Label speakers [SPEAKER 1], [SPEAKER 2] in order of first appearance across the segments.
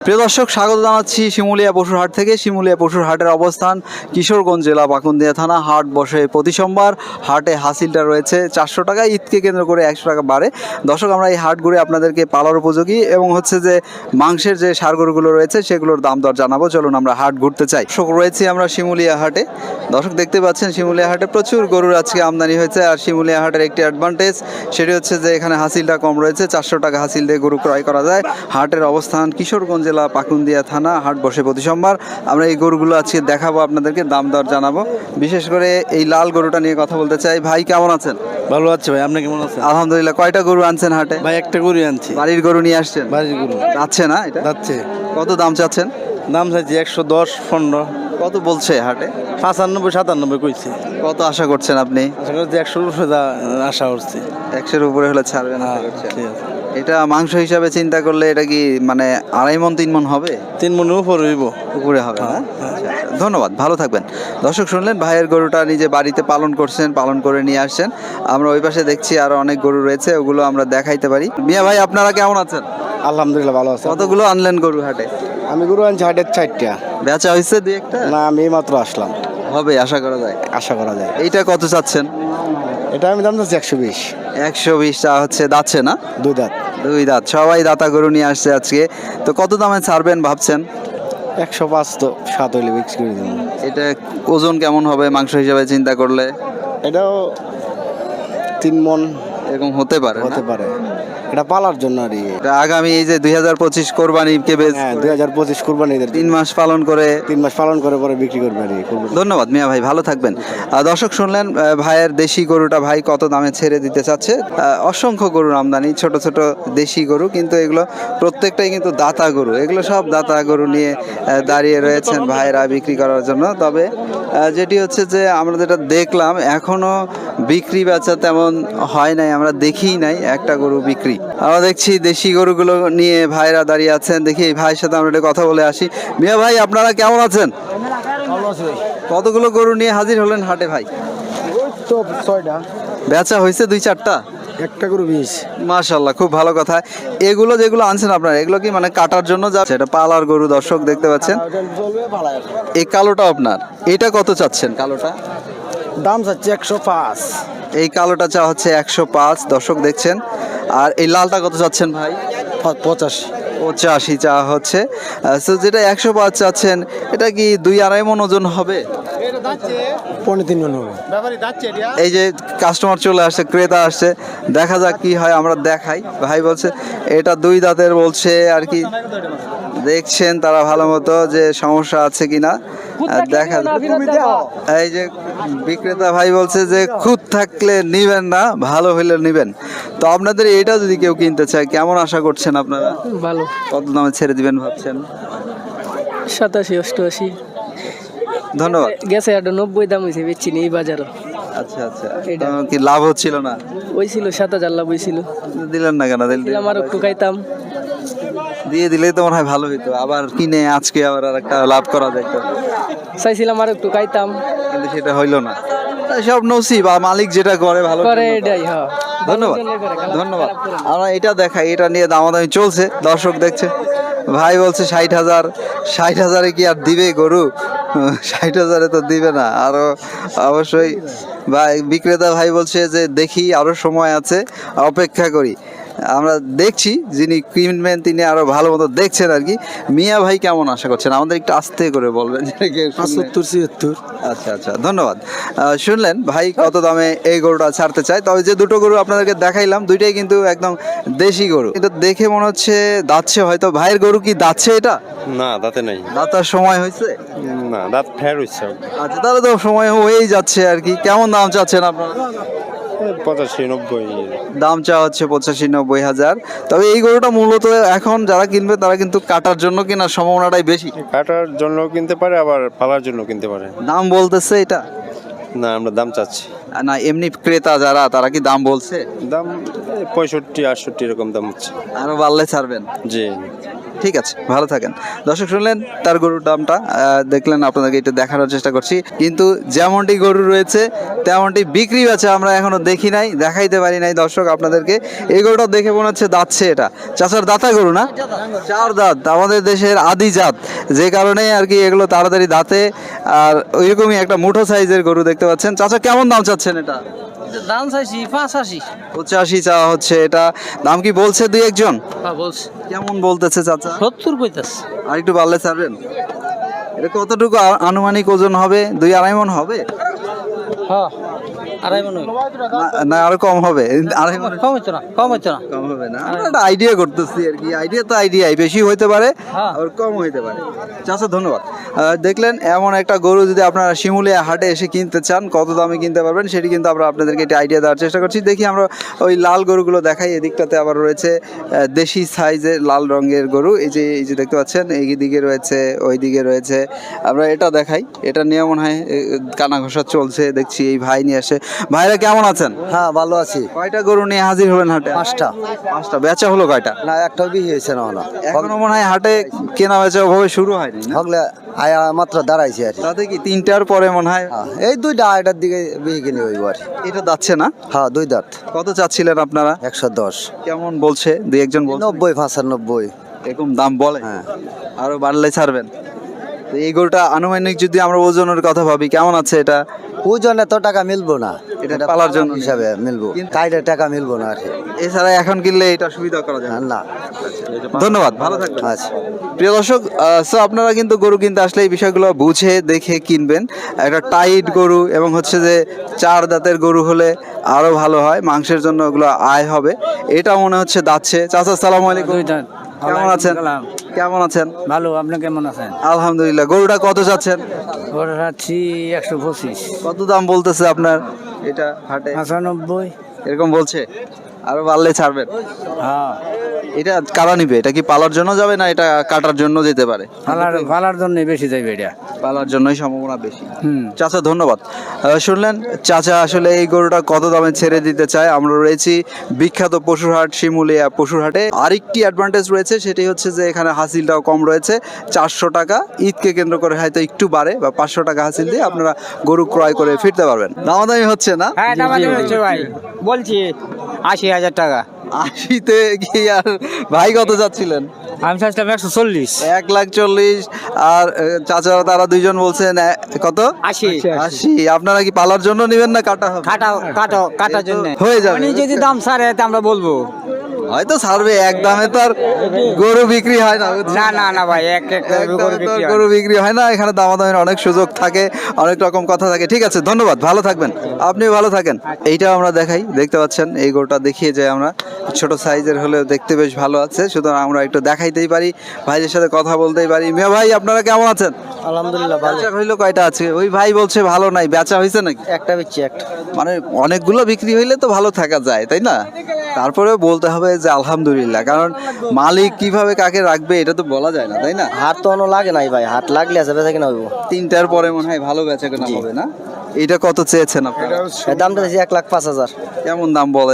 [SPEAKER 1] প্রিয় দর্শক, স্বাগত জানাচ্ছি শিমুলিয়া পশুর হাট থেকে। শিমুলিয়া পশুর হাটের অবস্থান কিশোরগঞ্জ জেলা পাকুন্দিয়া থানা। হাট বসে প্রতি সোমবার। হাটে হাসিলটা রয়েছে 400 টাকা, ঈদকে কেন্দ্র করে 100 টাকা বাড়ে। দর্শক, আমরা এই হাট ঘুরে আপনাদেরকে পালার উপযোগী এবং হচ্ছে যে মাংসের যে ষাঁড় গরুগুলো রয়েছে সেগুলোর দাম দর জানাবো। চলুন আমরা হাট ঘুরতে চাই। দর্শক, রয়েছি আমরা শিমুলিয়া হাটে। দর্শক, দেখতে পাচ্ছেন শিমুলিয়া হাটে প্রচুর গরুর আজকে আমদানি হয়েছে। আর শিমুলিয়া হাটের একটি অ্যাডভান্টেজ, সেটি হচ্ছে যে এখানে হাসিলটা কম রয়েছে। 400 টাকা হাসিল দিয়ে গরু ক্রয় করা যায়। হাটের অবস্থান কিশোরগঞ্জ জেলা পাকুন্দিয়া থানা। হাট বসে প্রতি সোমবার। আমরা এই গরুগুলো আজকে দেখাবো, আপনাদেরকে দাম দর জানাবো। বিশেষ করে এই লাল গরুটা নিয়ে কথা বলতে চাই। ভাই, কেমন আছেন?
[SPEAKER 2] ভালো আছে ভাই, আপনি কেমন আছেন?
[SPEAKER 1] আলহামদুলিল্লাহ। কয়টা গরু আনছেন হাটে?
[SPEAKER 2] ভাই একটা গরু আনছি।
[SPEAKER 1] বাড়ির গরু নিয়ে আসছেন?
[SPEAKER 2] বাড়ির গরু
[SPEAKER 1] যাচ্ছে না এটা?
[SPEAKER 2] যাচ্ছে।
[SPEAKER 1] কত দাম চাচ্ছেন?
[SPEAKER 2] দাম চাইছি 110, 15।
[SPEAKER 1] কত বলছে হাটে?
[SPEAKER 2] 95, 97 কইছে।
[SPEAKER 1] কত আশা করছেন আপনি?
[SPEAKER 2] আশা করছি 100 আশা করছি।
[SPEAKER 1] 100-এর উপরে হলে ছাড়বেন?
[SPEAKER 2] হ্যাঁ, ঠিক আছে।
[SPEAKER 1] এটা মাংস হিসাবে চিন্তা করলে এটা কি মানে 2.5 মণ 3 মণ হবে?
[SPEAKER 2] 3 মনের উপরে হইব।
[SPEAKER 1] উপরে হবে না? আচ্ছা, ধন্যবাদ, ভালো থাকবেন। দর্শক, শুনলেন ভাইয়ের গরুটা নিজে বাড়িতে পালন করছেন, পালন করে নিয়ে আসছেন। আমরা ওই পাশে দেখছি আরো অনেক গরু রয়েছে, ওগুলো আমরা দেখাইতে পারি। মিয়া ভাই, আপনারা কেমন আছেন?
[SPEAKER 2] আলহামদুলিল্লাহ ভালো আছে।
[SPEAKER 1] কতগুলো আনলেন গরু হাটে?
[SPEAKER 2] আমি গরু আনছি হাটের 4টা।
[SPEAKER 1] বেচা হয়েছে দুই একটা?
[SPEAKER 2] না, আমি মাত্র আসলাম।
[SPEAKER 1] হবে আশা করা যায়?
[SPEAKER 2] আশা করা যায়।
[SPEAKER 1] এইটা কত চাচ্ছেন?
[SPEAKER 2] এটা আমি দাম চাচ্ছি 120।
[SPEAKER 1] 120 চা হচ্ছে, দাচ্ছে না?
[SPEAKER 2] 2 দাঁত।
[SPEAKER 1] 2 দাঁত। সবাই দাতা গরু নিয়ে আসছে আজকে। তো কত দামে ছাড়বেন ভাবছেন?
[SPEAKER 2] 105 তো 7 হইলে বিক্রি করে দেব।
[SPEAKER 1] এটা ওজন কেমন হবে মাংস হিসাবে চিন্তা করলে?
[SPEAKER 2] এটাও 3 মন
[SPEAKER 1] এরকম হতে পারে না?
[SPEAKER 2] হতে পারে। এটা পালার জন্য আর কি।
[SPEAKER 1] এটা আগামী এই যে 2025 কোরবানিকে বেশ
[SPEAKER 2] হ্যাঁ, 2025 কুরবানিদের
[SPEAKER 1] 3 মাস পালন করে
[SPEAKER 2] 3 মাস পালন করে পরে বিক্রি করবে আর কি।
[SPEAKER 1] ধন্যবাদ মিয়া ভাই, ভালো থাকবেন। দর্শক, শুনলেন ভাইয়ের দেশি গরুটা ভাই কত দামে ছেড়ে দিতে চাচ্ছে। অসংখ্য গরুর আমদানি, ছোট ছোট দেশি গরু, কিন্তু এগুলো প্রত্যেকটাই কিন্তু দাতা গরু। এগুলো সব দাতা গরু নিয়ে দাঁড়িয়ে রয়েছেন ভাইয়েরা বিক্রি করার জন্য। তবে যেটি হচ্ছে যে আমরা যেটা দেখলাম, এখনো বিক্রি বেচা তেমন হয় নাই, আমরা দেখিই নাই একটা গরু বিক্রি। আমরা দেখছি দেশি গরুগুলো নিয়ে ভাইরা দাঁড়িয়ে আছেন। দেখি এই ভাইয়ের সাথে আমরা একটু কথা বলে আসি। মিয়া ভাই, আপনারা কেমন আছেন? কতগুলো গরু নিয়ে হাজির হলেন হাটে ভাই?
[SPEAKER 2] তো 6টা।
[SPEAKER 1] বেচা হয়েছে 2-4টা?
[SPEAKER 2] একটা গরু 20।
[SPEAKER 1] মাশাআল্লাহ, খুব ভালো কথা। এগুলো যেগুলো আনছেন আপনারা, এগুলো কি মানে কাটার জন্য যাচ্ছে? এটা পালার গরু, দর্শক দেখতে পাচ্ছেন। এই কালোটা আপনার, এটা কত চাচ্ছেন? কালোটা
[SPEAKER 2] দাম চাচ্ছে 105।
[SPEAKER 1] এই কালোটা চা হচ্ছে 105, দর্শক দেখছেন। আর এই লালটা কত চাচ্ছেন ভাই?
[SPEAKER 2] 85।
[SPEAKER 1] 85 চা হচ্ছে। তো যেটা 105 চাচ্ছেন, এটা কি 2-2.5 মণ ওজন হবে?
[SPEAKER 2] 3.5 মন হবে।
[SPEAKER 1] এই যে কাস্টমার চলে আসছে, ক্রেতা আসছে, দেখা যাক কি হয়, আমরা দেখাই। ভাই বলছে এটা 2 দাঁতের বলছে আর কি। দেখছেন তারা ভালো মতো যে সমস্যা আছে কিনা দেখা। এই যে বিক্রেতা ভাই বলছে যে খুদ থাকলে নিবেন না, ভালো হইলে নিবেন। তো আপনাদের এটা যদি কেউ কিনতে চায়, কেমন আশা করছেন আপনারা?
[SPEAKER 3] ভালো।
[SPEAKER 1] কত দামে ছেড়ে দিবেন ভাবছেন?
[SPEAKER 3] 87, 88
[SPEAKER 1] ধন্যবাদ।
[SPEAKER 3] গেছে। একটা 90 দাম হয়েছে, বেচছি নি এই বাজারও।
[SPEAKER 1] আচ্ছা আচ্ছা,
[SPEAKER 3] এটা।
[SPEAKER 1] কি লাভ হচ্ছিল না?
[SPEAKER 3] ওই ছিল 7000 লাভ হয়েছিল।
[SPEAKER 1] দিলেন না কেন?
[SPEAKER 3] দিলাম আর একটু খাইতাম।
[SPEAKER 1] দিয়ে দিলেই তো মনে হয় ভালো হইতো, আবার কিনে আজকে আবার আর একটা লাভ করা যেত।
[SPEAKER 3] চাইছিলাম আর একটু খাইতাম,
[SPEAKER 1] কিন্তু সেটা হইলো না। সব নসিব, আর মালিক যেটা করে ভালো
[SPEAKER 3] করে
[SPEAKER 1] জন্য করে।
[SPEAKER 3] এটাই। হ্যাঁ,
[SPEAKER 1] ধন্যবাদ,
[SPEAKER 3] ভালোর জন্যই করে, খারাপ-
[SPEAKER 1] ধন্যবাদ।
[SPEAKER 3] খারাপ করে না।
[SPEAKER 1] আমরা এটা দেখাই, এটা নিয়ে দামাদামি চলছে, দর্শক দেখছে। ভাই বলছে 60,000। 60,000-এ কি আর দিবে গরু? 60,000-এ তো দিবে না। আরো অবশ্যই ভাই, বিক্রেতা ভাই বলছে যে দেখি আরো সময় আছে, অপেক্ষা করি। আমরা দেখছি, যিনি কিনবেন তিনি আরো ভালো মতো দেখছেন আর কি। মিয়া ভাই কেমন আশা করছেন? আমাদের একটু আস্তে করে বলবেন।
[SPEAKER 2] 75, 76।
[SPEAKER 1] আচ্ছা আচ্ছা, ধন্যবাদ। শুনলেন ভাই কত দামে এই গরুটা ছাড়তে চায়। তবে যে দুটো গরু আপনাদেরকে দেখাইলাম, দুইটাই কিন্তু একদম দেশি গরু। এটা দেখে মনে হচ্ছে দাচ্ছে হয়তো। ভাইয়ের গরু কি দাচ্ছে এটা?
[SPEAKER 4] না, দাঁতে নাই।
[SPEAKER 1] দাঁতার সময় হয়েছে?
[SPEAKER 4] না, দাঁত ফের হচ্ছে।
[SPEAKER 1] আচ্ছা, তাহলে তো সময় হয়েই যাচ্ছে আর কি। কেমন দাম চাচ্ছেন আপনারা?
[SPEAKER 4] 85, 90।
[SPEAKER 1] দাম চা হচ্ছে 85-90 হাজার। তবে এই গরুটা মূলত এখন যারা কিনবে তারা কিন্তু কাটার জন্য কেনার সম্ভাবনাটাই বেশি।
[SPEAKER 4] কাটার জন্য কিনতে পারে, আবার পালার জন্য কিনতে পারে।
[SPEAKER 1] দাম বলতেছে এটা?
[SPEAKER 4] না, আমরা দাম চাচ্ছি।
[SPEAKER 1] না, এমনি ক্রেতা যারা, তারা কি দাম বলছে?
[SPEAKER 4] দাম 65, 68 এরকম দাম হচ্ছে।
[SPEAKER 1] আরো বাড়লে ছাড়বেন?
[SPEAKER 4] জি।
[SPEAKER 1] ঠিক আছে, ভালো থাকেন। দর্শক শুনলেন তার গরুর দামটা, দেখলেন, আপনাদেরকে এটা দেখানোর চেষ্টা করছি। কিন্তু যেমনটি গরু রয়েছে তেমনটি বিক্রি আছে আমরা এখনো দেখি নাই, দেখাইতে পারি নাই দর্শক আপনাদেরকে। এই গরুটা দেখে মনে হচ্ছে দাঁতছে, এটা চাচার দাঁতা গরু না? 4 দাঁত, আমাদের দেশের আদি জাত, যে কারণে আর কি এগুলো তাড়াতাড়ি দাঁতে। আর ওইরকমই একটা মুঠো সাইজের গরু দেখতে পাচ্ছেন। চাচা কেমন দাম চাচ্ছেন এটা?
[SPEAKER 3] দাম চাইছি 85।
[SPEAKER 1] 85 চাওয়া হচ্ছে। এটা দাম কি বলছে দুই একজন?
[SPEAKER 3] হ্যাঁ বলছি
[SPEAKER 1] কেমন বলতেছে চাচা?
[SPEAKER 3] 70 কইতাছ।
[SPEAKER 1] আর একটু বাড়লে ছাড়বেন? এটা কতটুকু আনুমানিক ওজন হবে? 2-2.5 মণ হবে?
[SPEAKER 3] হ্যাঁ আড়াই মনে
[SPEAKER 1] না আরো কম হবে? 2.5 মণ
[SPEAKER 3] কম হইতো না, কম হইতো না।
[SPEAKER 1] কম হবে না? আমরা একটা আইডিয়া করতেছি আর কি। আইডিয়া তো আইডিয়াই, বেশি হইতে পারে
[SPEAKER 3] হ্যাঁ।
[SPEAKER 1] আর কম হইতে পারে। চাচা ধন্যবাদ। দেখলেন, এমন একটা গরু যদি আপনারা শিমুলিয়া হাটে এসে কিনতে চান, কত দামে কিনতে পারবেন সেটি কিন্তু আমরা আপনাদেরকে একটা আইডিয়া দেওয়ার চেষ্টা করছি। দেখি আমরা ওই লাল গরুগুলো দেখাই। এদিকটাতে আবার রয়েছে দেশি সাইজের লাল রঙের গরু। এই যে দেখতে পাচ্ছেন, এই দিকে রয়েছে, ওই দিকে রয়েছে। আমরা এটা দেখাই। এটা নিয়ে মনে হয় কানা ঘষা চলছে দেখছি। এই ভাই নিয়ে আসে। ভাইরা কেমন আছেন?
[SPEAKER 2] হ্যাঁ ভালো আছি।
[SPEAKER 1] কয়টা গরু নিয়ে হাজির হলেন হাটে?
[SPEAKER 2] 5টা।
[SPEAKER 1] 5টা বেচা হলো কয়টা?
[SPEAKER 2] না একটাও বিহি হয়েছে না হলো।
[SPEAKER 1] এখনো মনে হয় হাটে কেনা বেচা ওভাবে শুরু হয়নি না?
[SPEAKER 2] হগলে আয়া মাত্র দাঁড়াইছি আর কি।
[SPEAKER 1] তাতে কি 3টার পরে মনে হয়?
[SPEAKER 2] হ্যাঁ, এই 2টা 2টার দিকে বিহি কিনে হইব আর কি।
[SPEAKER 1] এটা যাচ্ছে না?
[SPEAKER 2] হ্যাঁ 2 দাঁত।
[SPEAKER 1] কত চাচ্ছিলেন আপনারা?
[SPEAKER 2] 110।
[SPEAKER 1] কেমন বলছে দুই একজন?
[SPEAKER 2] 90 95।
[SPEAKER 1] এরকম দাম বলে?
[SPEAKER 2] হ্যাঁ।
[SPEAKER 1] আরো বাড়লে ছাড়বেন? তো এই গরুটা আনুমানিক যদি আমরা ওজনের কথা ভাবি, কেমন আছে এটা?
[SPEAKER 2] ওজনে তো টাকা মিলবো না,
[SPEAKER 1] এটা পালার জন্য
[SPEAKER 2] হিসাবে মিলবো, কাইডে টাকা মিলবো না আর কি।
[SPEAKER 1] এছাড়া এখন কিনলে এটা সুবিধা করা যায় না।
[SPEAKER 2] না।
[SPEAKER 1] ধন্যবাদ, ভালো থাকবেন।
[SPEAKER 2] আচ্ছা।
[SPEAKER 1] প্রিয় দর্শক, সো আপনারা কিন্তু গরু কিনতে আসলে এই বিষয়গুলো বুঝে দেখে কিনবেন। একটা টাইট গরু এবং হচ্ছে যে 4 দাঁতের গরু হলে আরো ভালো হয়, মাংসের জন্য ওগুলো আয় হবে। এটা মনে হচ্ছে দাচ্ছে। চাচা আসসালামু আলাইকুম, কেমন আছেন? কেমন আছেন?
[SPEAKER 3] ভালো, আপনি কেমন আছেন?
[SPEAKER 1] আলহামদুলিল্লাহ। গরুটা কত চাচ্ছেন?
[SPEAKER 3] ওটা রাখছি 125।
[SPEAKER 1] কত দাম বলতেছে আপনার এটা হাটে?
[SPEAKER 3] 95।
[SPEAKER 1] এরকম বলছে? আরো বাড়লে ছাড়বেন?
[SPEAKER 3] হ্যাঁ
[SPEAKER 1] এটা কারা নিবে? এটা কি পালার জন্য যাবে না এটা কাটার জন্য যেতে পারে?
[SPEAKER 3] ফালার জন্য বেশি যাইবে এটা।
[SPEAKER 1] পালার জন্যই সম্ভাবনা বেশি।
[SPEAKER 3] হুম।
[SPEAKER 1] চাচা ধন্যবাদ। শুনলেন চাচা আসলে এই গরুটা কত দামে ছেড়ে দিতে চায়। আমরা রয়েছি বিখ্যাত পশুর হাট শিমুলিয়া পশুর হাটে। আরেকটি অ্যাডভান্টেজ রয়েছে, সেটি হচ্ছে যে এখানে হাসিলটাও কম রয়েছে। 400 টাকা, ঈদকে কেন্দ্র করে হয়তো একটু বাড়ে, বা 500 টাকা হাসিল দিয়ে আপনারা গরু ক্রয় করে ফিরতে পারবেন। দামাদামি হচ্ছে না?
[SPEAKER 3] হ্যাঁ দামাদামি হচ্ছে ভাই, বলছি 80,000 টাকা।
[SPEAKER 1] 80-তে কি? আর ভাই কত যাচ্ছিলেন?
[SPEAKER 3] আমি চাইছিলাম 140।
[SPEAKER 1] 1,40,000। আর চাচা তারা দুইজন বলছেন কত? 80। আপনারা কি পালার জন্য নেবেন না কাটা হবে?
[SPEAKER 3] কাটার জন্য
[SPEAKER 1] হয়ে যাবে।
[SPEAKER 3] উনি যদি দাম ছাড়ে তা আমরা বলবো।
[SPEAKER 1] হয়তো ছাড়বে, এক দামে তো আর গরু বিক্রি হয় না।
[SPEAKER 3] না ভাই, এক
[SPEAKER 1] এক দামে তো আর গরু বিক্রি হয় না। এখানে দামাদামের অনেক সুযোগ থাকে, অনেক রকম কথা থাকে। ঠিক আছে, ধন্যবাদ, ভালো থাকবেন। আপনি ভালো থাকেন। এইটাও আমরা দেখাই, দেখতে পাচ্ছেন এই গরুটা দেখিয়ে যায় আমরা। ছোট সাইজের হলেও দেখতে বেশ ভালো আছে, সুতরাং আমরা একটু দেখাইতেই পারি, ভাইদের সাথে কথা বলতেই পারি। মিয়া ভাই আপনারা কেমন আছেন?
[SPEAKER 2] আলহামদুলিল্লাহ ভালো।
[SPEAKER 1] বেচা হইলো কয়টা আছে? ওই ভাই বলছে ভালো নাই, বেচা হয়েছে নাকি?
[SPEAKER 2] একটা বিচ্ছি একটা।
[SPEAKER 1] মানে অনেকগুলো বিক্রি হইলে তো ভালো থাকা যায়, তাই না? তারপরেও বলতে হবে যে আলহামদুলিল্লাহ, কারণ মালিক কিভাবে কাকে রাখবে এটা তো বলা যায় না, তাই না?
[SPEAKER 2] হাত তো অন্য লাগে নাই ভাই, হাত লাগলে আছে বেচা কিনা হইব।
[SPEAKER 1] 3টার পরে মনে হয় ভালো বেচা কেনা হবে না? এটা কত চেয়েছেন আপনারা?
[SPEAKER 2] এর দামটা দিয়েছি 1,05,000।
[SPEAKER 1] কেমন দাম বলে?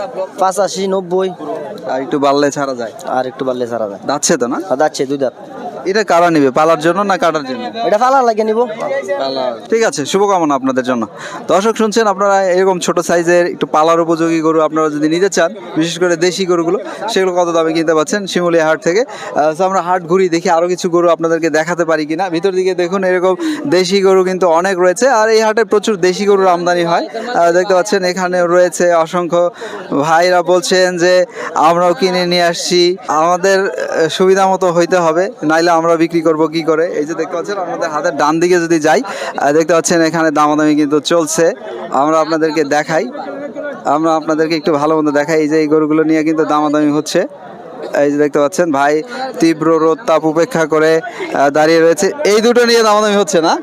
[SPEAKER 2] 85 90।
[SPEAKER 1] আর একটু বাড়লে ছাড়া যায়?
[SPEAKER 2] আর একটু বাড়লে ছাড়া যায়।
[SPEAKER 1] যাচ্ছে তো না?
[SPEAKER 2] যাচ্ছে 2 দাঁত।
[SPEAKER 1] এটা কারা নিবে, পালার জন্য না কাটার জন্য?
[SPEAKER 2] এটা ফালার লাগে নিব।
[SPEAKER 1] ঠিক আছে, শুভকামনা আপনাদের জন্য। দর্শক শুনছেন, আপনারা এরকম ছোট সাইজের একটু পালার উপযোগী গরু আপনারা যদি নিতে চান, বিশেষ করে দেশি গরুগুলো, সেগুলো কত দামে কিনতে পাচ্ছেন শিমুলিয়া হাট থেকে। তো আমরা হাট ঘুরি, দেখি আরো কিছু গরু আপনাদেরকে দেখাতে পারি কিনা। ভিতর দিকে দেখুন, এরকম দেশি গরু কিন্তু অনেক রয়েছে, আর এই হাটে প্রচুর দেশি গরুর আমদানি হয়। দেখতে পাচ্ছেন এখানে রয়েছে অসংখ্য। ভাইরা বলছেন যে আমরাও কিনে নিয়ে আসছি, আমাদের সুবিধা মতো হইতে হবে, নাইলে আমরা বিক্রি করব কি করে। এই যে দেখতে পাচ্ছেন আমাদের হাতের ডান দিকে যদি যাই, দেখতে পাচ্ছেন এখানে দামাদামি কিন্তু চলছে। আমরা আপনাদেরকে দেখাই, আমরা আপনাদেরকে একটু ভালো মতো দেখাই। এই যে এই গরুগুলো নিয়ে কিন্তু দামাদামি হচ্ছে। এই যে দেখতে পাচ্ছেন ভাই তীব্র রোদ তাপ উপেক্ষা করে দাঁড়িয়ে রয়েছে। এই দুটো নিয়ে দামাদামি হচ্ছে না?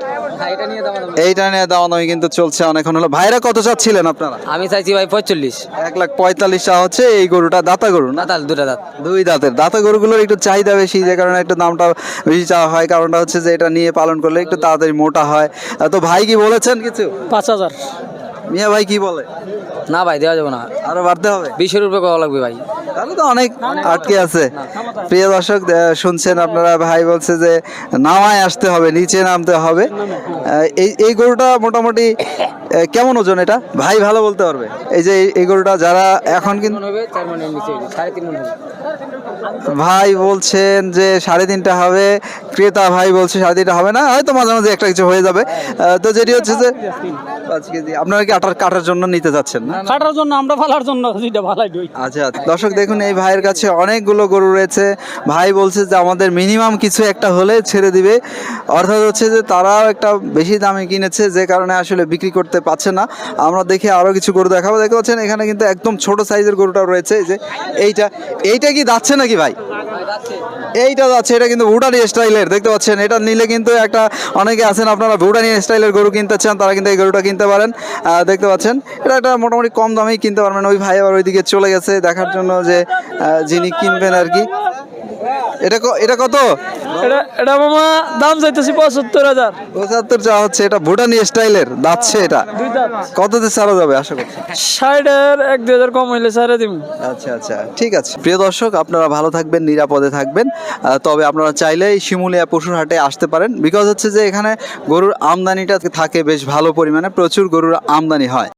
[SPEAKER 1] এইটা নিয়ে দামাদামি কিন্তু চলছে অনেকক্ষণ হলো। ভাইরা কত চাচ্ছিলেন আপনারা?
[SPEAKER 3] আমি চাইছি ভাই 45।
[SPEAKER 1] 1,45,000 চাওয়া হচ্ছে। এই গরুটা দাতা গরু না?
[SPEAKER 3] তাল 2টা দাঁত।
[SPEAKER 1] 2 দাঁতের দাতা গরুগুলোর একটু চাহিদা বেশি, যে কারণে একটু দামটা বেশি চাওয়া হয়। কারণটা হচ্ছে যে এটা নিয়ে পালন করলে একটু তাড়াতাড়ি মোটা হয়। তো ভাই কি বলেছেন কিছু?
[SPEAKER 3] 5,000।
[SPEAKER 1] মিয়া ভাই কি বলে?
[SPEAKER 3] না ভাই দেওয়া যাবে না,
[SPEAKER 1] আরো বাড়তে হবে?
[SPEAKER 3] 20 রুপে করা লাগবে ভাই।
[SPEAKER 1] তাহলে তো অনেক আটকে আছে। প্রিয় দর্শক, শুনছেন আপনারা, ভাই বলছে যে নামায় আসতে হবে, নিচে নামতে হবে। এই গরুটা মোটামুটি কেমন ওজন এটা ভাই ভালো বলতে পারবে? এই যে এই গরুটা যারা এখন কিন্তু
[SPEAKER 3] হবে 4 মনের নিচে, 3.5 মন হবে।
[SPEAKER 1] ভাই বলছেন যে 3.5টা হবে, ক্রেতা ভাই বলছে 3.5টা হবে না, হয়তো মাঝে মাঝে একটা কিছু হয়ে যাবে। তো যেটি হচ্ছে যে 5 কেজি আপনারা কি কাটার জন্য নিতে যাচ্ছেন না?
[SPEAKER 3] কাটার জন্য আমরা ফালার জন্য যেটা ভালাই দিই।
[SPEAKER 1] আচ্ছা, দর্শক দেখুন এই ভাইয়ের কাছে অনেকগুলো গরু রয়েছে। ভাই বলছে যে আমাদের মিনিমাম কিছু একটা হলে ছেড়ে দিবে, অর্থাৎ হচ্ছে যে তারাও একটা বেশি দামে কিনেছে, যে কারণে আসলে বিক্রি করতে পারছে না। আমরা দেখি আরো কিছু গরু দেখাবো। দেখতে পাচ্ছেন এখানে কিন্তু একদম ছোট সাইজের গরুটা রয়েছে। এই যে এইটা কি যাচ্ছে নাকি ভাই? এইটা যাচ্ছে, এটা কিন্তু ভুটানি স্টাইলের, দেখতে পাচ্ছেন। এটা নিলে কিন্তু একটা, অনেকে আছেন আপনারা ভুটানি স্টাইলের গরু কিনতে চান, তারা কিন্তু এই গরুটা কিনতে পারেন। দেখতে পাচ্ছেন এটা একটা মোটামুটি কম দামেই কিনতে পারবেন। ওই ভাই আবার ওইদিকে চলে গেছে দেখার জন্য যে যিনি কিনবেন আর কি। এটা কত?
[SPEAKER 3] এটা মামা দাম চাইতেছি 75,000।
[SPEAKER 1] 75 চাওয়া হচ্ছে। এটা ভুটানি স্টাইলের যাচ্ছে, এটা কততে ছাড়া যাবে আশা করছি?
[SPEAKER 3] 60-এর 1-2,000 কম হইলে ছাড়ে দিম।
[SPEAKER 1] আচ্ছা আচ্ছা, ঠিক আছে। প্রিয় দর্শক, আপনারা ভালো থাকবেন, নিরাপদে থাকবেন। তবে আপনারা চাইলেই শিমুলিয়া পশুর হাটে আসতে পারেন, বিকজ হচ্ছে যে এখানে গরুর আমদানিটা থাকে বেশ ভালো পরিমাণে, প্রচুর গরুর আমদানি হয়।